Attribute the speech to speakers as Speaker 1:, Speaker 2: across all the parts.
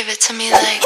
Speaker 1: Give it to me like.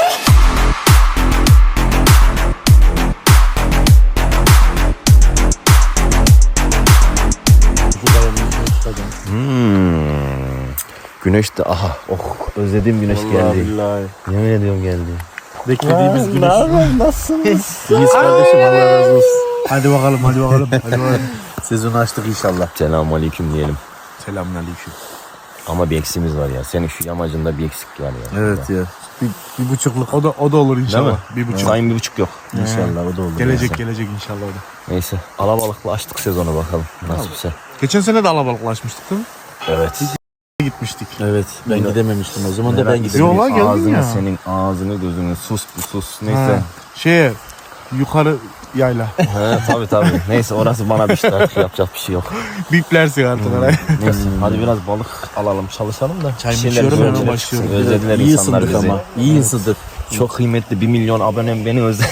Speaker 2: Güneş de aha özlediğim güneş
Speaker 3: Vallahi
Speaker 2: geldi.
Speaker 3: billahi.
Speaker 2: Yemin ediyorum geldi.
Speaker 3: Beklediğimiz güneş.
Speaker 2: Nasılsınız?
Speaker 3: İyiyiz kardeşim, Allah razı olsun. Hadi bakalım. Hadi bakalım. Sezonu açtık inşallah.
Speaker 2: Selamünaleyküm diyelim.
Speaker 3: Selamünaleyküm.
Speaker 2: Ama bir eksiğimiz var ya. Senin şu yamacında bir eksik var ya.
Speaker 3: Evet ya. Bir buçukluk o da olur inşallah. Bir buçuk.
Speaker 2: Sayın 1,5 yok.
Speaker 3: İnşallah o da olur. Gelecek inşallah o da.
Speaker 2: Neyse alabalıkla açtık sezonu bakalım. Nasipse.
Speaker 3: Geçen sene de alabalıklaşmıştık değil mi?
Speaker 2: Evet.
Speaker 3: Gitmiştik.
Speaker 4: Evet, ben gidememiştim o zaman da ben gidememiştim.
Speaker 3: Yola geldin
Speaker 2: ağzını,
Speaker 3: ya.
Speaker 2: senin ağzını gözünü sus. Neyse.
Speaker 3: Yukarı yayla.
Speaker 2: He, tabii. Neyse orası bana bir şey artık yapacak bir şey yok.
Speaker 3: Biplersin artık orayı.
Speaker 2: Neyse hadi biraz balık alalım çalışalım da.
Speaker 3: Çay
Speaker 2: Şeyler
Speaker 3: içiyorum, hemen
Speaker 2: özlediler.
Speaker 3: başlıyorum.
Speaker 2: Özlediler
Speaker 4: İyi
Speaker 2: insanlar
Speaker 4: ısındık
Speaker 2: bizi.
Speaker 4: ama. İyi ısındık.
Speaker 2: Çok kıymetli 1 milyon abonem beni özledi.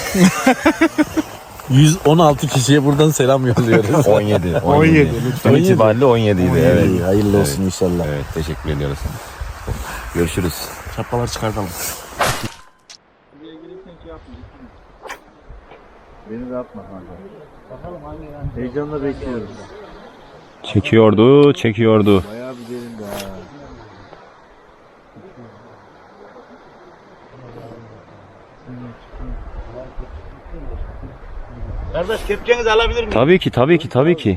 Speaker 4: 116 kişiye buradan selam yolluyoruz.
Speaker 2: 17.
Speaker 3: 17.
Speaker 2: Dün itibariyle 17 idi. Evet.
Speaker 4: İyi, hayırlı olsun inşallah.
Speaker 2: Evet teşekkür ediyoruz. Görüşürüz.
Speaker 3: Çapalar çıkartalım.
Speaker 4: Beni de atma kanka. Bakalım hangi yani. Heyecanla bekliyoruz.
Speaker 2: Çekiyordu.
Speaker 4: Bayağı bir derin de ha. Kardeş kepçenizi alabilir miyim?
Speaker 2: Tabii ki.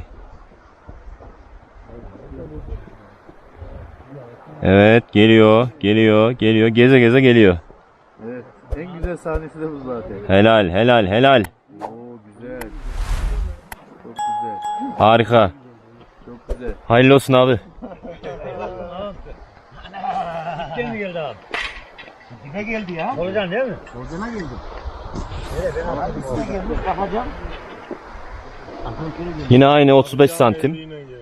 Speaker 2: Evet geliyor. Geze geliyor.
Speaker 4: Evet. En güzel sahnesi de bu zaten.
Speaker 2: Helal.
Speaker 4: Oo güzel. Çok güzel.
Speaker 2: Harika.
Speaker 4: Çok güzel.
Speaker 2: Hayırlı olsun abi.
Speaker 4: Kim mi geldi abi? Ne geldi ya? Solucan değil mi? Solucana geldi. Evet ben anladım. Gelmiş bakacağım.
Speaker 2: Yine aynı 35 santim.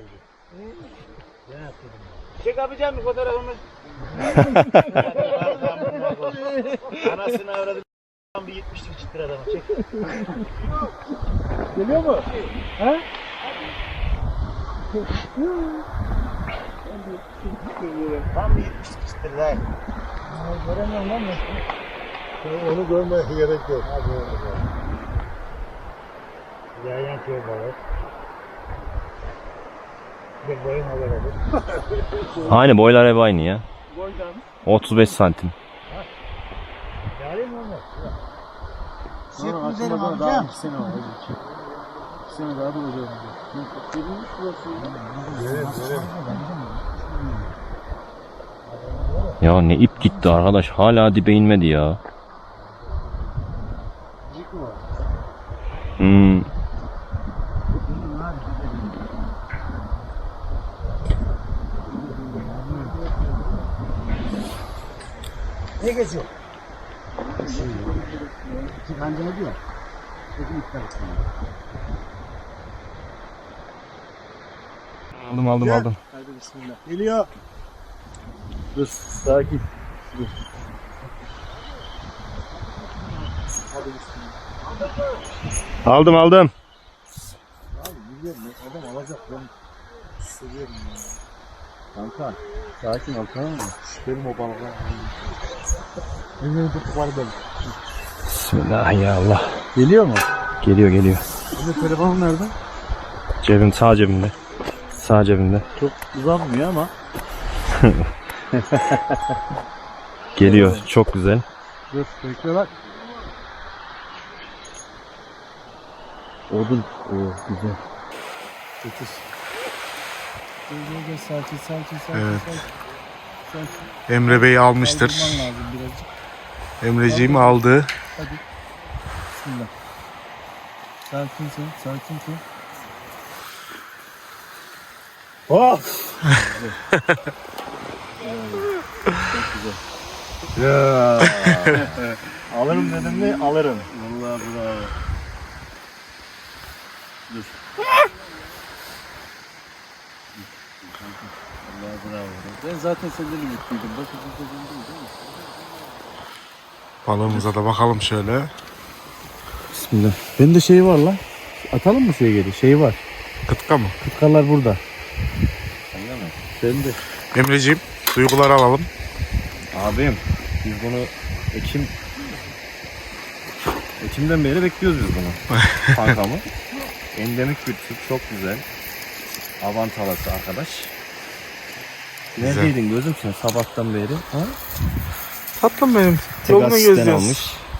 Speaker 4: Çek abicam bir fotoğrafımı. Anasını avradı. Bir 70'lik çıtır adamı çek. Geliyor mu? Ha? Tam bir 70'lik çıtır lan. Göremiyorum lan ben. Onu görmeye gerek yok. Yayan köy balık. Bir boyun haber olur.
Speaker 2: Aynı boylar hep aynı ya.
Speaker 3: Boydan.
Speaker 2: 35 santim.
Speaker 4: Yalayım mı onu?
Speaker 3: Sonra açılmadan daha 2 sene var. 2 sene daha duracağız. Verilmiş burası. Evet.
Speaker 2: Ya ne ip gitti arkadaş. Hala dibe inmedi ya.
Speaker 4: Ne geçiyor? Bence ne diyor?
Speaker 2: Aldım.
Speaker 3: Hadi bismillah. Geliyor.
Speaker 4: Dur, sakin. Dur.
Speaker 3: Hadi bismillah.
Speaker 2: Aldım.
Speaker 3: Abi biliyorum ben adam alacak ben seviyorum ya.
Speaker 4: Kanka, sakin ol tamam mı?
Speaker 3: Benim o balıklar. Benim tutuk var benim.
Speaker 2: Bismillah ya Allah.
Speaker 4: Geliyor mu?
Speaker 2: Geliyor.
Speaker 3: Benim telefonum nerede?
Speaker 2: Sağ cebimde. Sağ cebimde.
Speaker 4: Çok uzanmıyor ama.
Speaker 2: Geliyor. Çok güzel.
Speaker 3: Dur bekle bak.
Speaker 4: Odun. Güzel.
Speaker 3: Evet. Emre Bey almıştır. Emreciğim aldı.
Speaker 4: Sakinsin.
Speaker 3: Ya.
Speaker 4: Alırım dedim mi? Alırım. Vallahi bravo. Dur. Vallahi bravo. Ben zaten senden ümitliydim. Başka değil mi?
Speaker 3: Balığımıza da bakalım şöyle.
Speaker 4: Bismillah. Bende şey var lan. Atalım mı suya geri? Şey var.
Speaker 3: Kıtka mı?
Speaker 4: Kıtkalar burada. Sende mi? Sende.
Speaker 3: Emreciğim duygular alalım.
Speaker 2: Abim Biz bunu Ekim'den beri bekliyoruz biz bunu. Kankamı. Endemik bir tür, çok güzel. Avantalası arkadaş.
Speaker 1: Güzel.
Speaker 2: Neredeydin gözüm sen sabahtan beri? Ha?
Speaker 1: Tatlım benim.
Speaker 2: Tek
Speaker 1: Yolunu
Speaker 2: asistan
Speaker 1: geziyoruz.
Speaker 2: olmuş.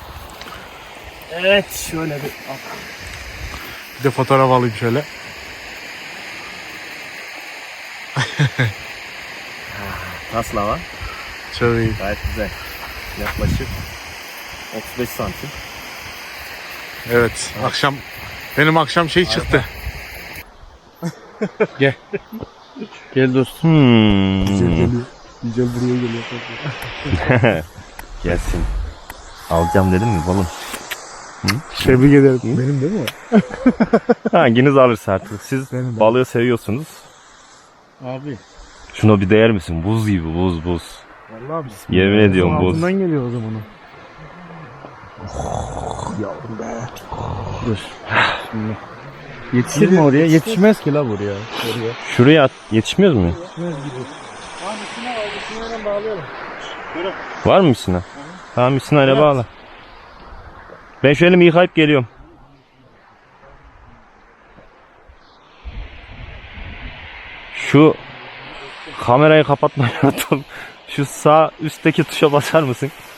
Speaker 2: Evet şöyle bir
Speaker 1: Bir de fotoğraf alayım şöyle.
Speaker 2: taslava.
Speaker 1: Çok iyi.
Speaker 2: Gayet güzel. Yaklaşık 35 santim.
Speaker 1: Evet. Akşam benim akşam şey çıktı. Gel. Gel dostum.
Speaker 3: Güzel buraya geliyor.
Speaker 2: Gelsin. Alacağım dedim mi balım?
Speaker 1: Tebrik ederim.
Speaker 3: Benim değil mi?
Speaker 2: Hanginiz alırsa artık. Siz
Speaker 3: Benim.
Speaker 2: balığı seviyorsunuz.
Speaker 3: Abi.
Speaker 2: Şuna bir değer misin? Buz gibi buz.
Speaker 3: Vallahi biz.
Speaker 2: Yemin ediyorum buz.
Speaker 3: Altından geliyor o zaman o. Yavrum be. Dur. Şimdi. Yetişir mi oraya? Yetişmez ki la buraya. Oraya.
Speaker 2: Şuraya at. Yetişmiyor mu?
Speaker 3: Yetişmez gibi. Abi misina var. Misina'dan bağlayalım.
Speaker 2: Var mı misina? Tamam misina ile bağla. Ben şu elimi yıkayıp geliyorum. Şu kamerayı kapatmayı unuttum. Şu sağ üstteki tuşa basar mısın?